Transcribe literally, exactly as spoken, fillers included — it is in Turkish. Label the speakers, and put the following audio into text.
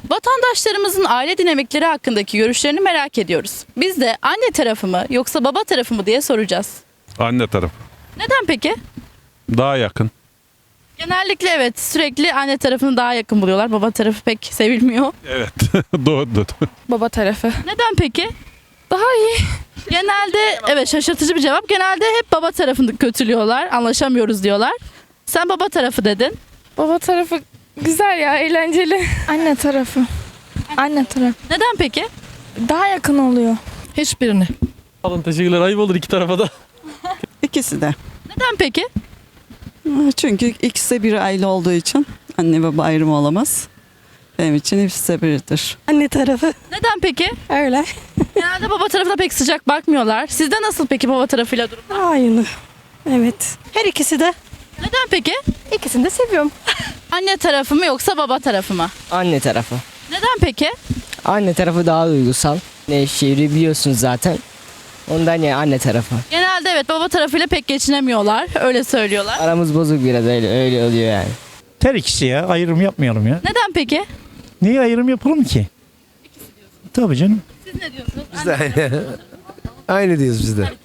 Speaker 1: Vatandaşlarımızın aile dinamikleri hakkındaki görüşlerini merak ediyoruz. Biz de anne tarafı mı yoksa baba tarafı mı diye soracağız.
Speaker 2: Anne tarafı.
Speaker 1: Neden peki?
Speaker 2: Daha yakın.
Speaker 1: Genellikle evet, sürekli anne tarafını daha yakın buluyorlar. Baba tarafı pek sevilmiyor.
Speaker 2: Evet. Doğrudur.
Speaker 3: Baba tarafı.
Speaker 1: Neden peki?
Speaker 3: Daha iyi.
Speaker 1: Genelde evet, şaşırtıcı bir cevap. Genelde hep baba tarafını kötülüyorlar. Anlaşamıyoruz diyorlar. Sen baba tarafı dedin.
Speaker 3: Baba tarafı güzel ya, eğlenceli. Anne tarafı. Anne tarafı.
Speaker 1: Neden peki?
Speaker 3: Daha yakın oluyor.
Speaker 4: Hiçbirini.
Speaker 5: Alın teşekkürler. Ayıp olur iki tarafa da.
Speaker 6: İkisi de.
Speaker 1: Neden peki?
Speaker 6: Çünkü ikisi de bir aile olduğu için anne baba ayrımı olamaz. Benim için hepsi de biridir.
Speaker 7: Anne tarafı
Speaker 1: Neden peki?
Speaker 7: öyle.
Speaker 1: Genelde baba tarafına pek sıcak bakmıyorlar. Sizde nasıl peki baba tarafıyla durum?
Speaker 7: Aynı. Evet. Her ikisi de.
Speaker 1: Neden peki?
Speaker 7: İkisini de seviyorum.
Speaker 1: Anne tarafı mı yoksa baba tarafı mı?
Speaker 8: Anne tarafı.
Speaker 1: Neden peki?
Speaker 8: Anne tarafı daha duygusal. Nevşehir'i biliyorsunuz zaten. Ondan ya anne tarafı.
Speaker 1: Genelde evet, baba tarafıyla pek geçinemiyorlar. Öyle söylüyorlar.
Speaker 8: Aramız bozuk biraz öyle öyle oluyor yani.
Speaker 9: Her ikisi ya. Ayrım yapmayalım ya.
Speaker 1: Neden peki?
Speaker 9: Niye ayrım yapalım ki? Tabii canım.
Speaker 1: Siz ne diyorsunuz?
Speaker 10: Biz de aynı. Aynı diyoruz biz de.